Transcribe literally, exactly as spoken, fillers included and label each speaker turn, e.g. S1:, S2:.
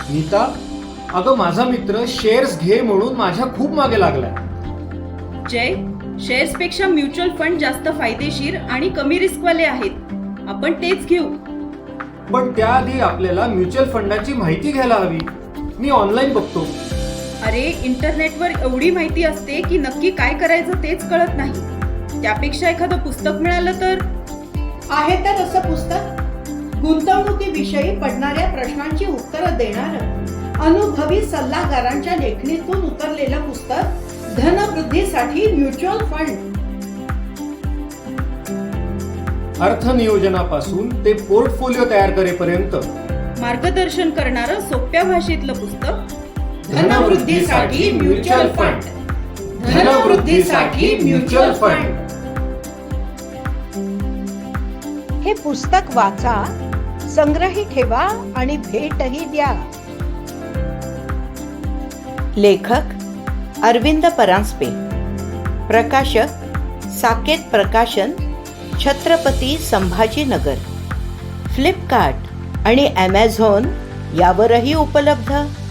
S1: नीता, अगं माझा मित्र शेअर्स घे म्हणून माझ्या खूप मागे लागलाय.
S2: जय, शेअर्स पेक्षा म्युच्युअल फंड जास्त फायदेशीर आणि कमी रिस्कवाले आहेत. आपण तेच घेऊ.
S1: पण त्याआधी आपल्याला म्युच्युअल फंडाची माहिती घ्यायला हवी. मी ऑनलाईन बघतो.
S2: अरे, इंटरनेटवर एवढी माहिती असते की नक्की काय करायचं तेच कळत नाही. त्यापेक्षा एखादं पुस्तक मिळालं तर.
S3: आहे तर असं पुस्तक गुंतवणुकीविषयी पडणाऱ्या प्रश्नांची उत्तरं देणारं अनुभवी सल्लागारांच्या लेखणीतून उतरलेलं पुस्तक धनवृद्धीसाठी म्युच्युअल फंड.
S1: अर्थनियोजनापासून ते पोर्टफोलिओ तयार करेपर्यंत
S2: मार्गदर्शन करणारं सोप्या भाषेतलं पुस्तक.
S3: धनवृद्धीसाठी म्युच्युअल फंड. धनवृद्धीसाठी म्युच्युअल फंड.
S4: हे पुस्तक वाचा, संग्रही ठेवा आणि भेटही द्या.
S5: लेखक अरविंद परांजपे, प्रकाशक साकेत प्रकाशन, छत्रपती संभाजीनगर. फ्लिपकार्ट आणि ॲमेझॉन यावरही उपलब्ध.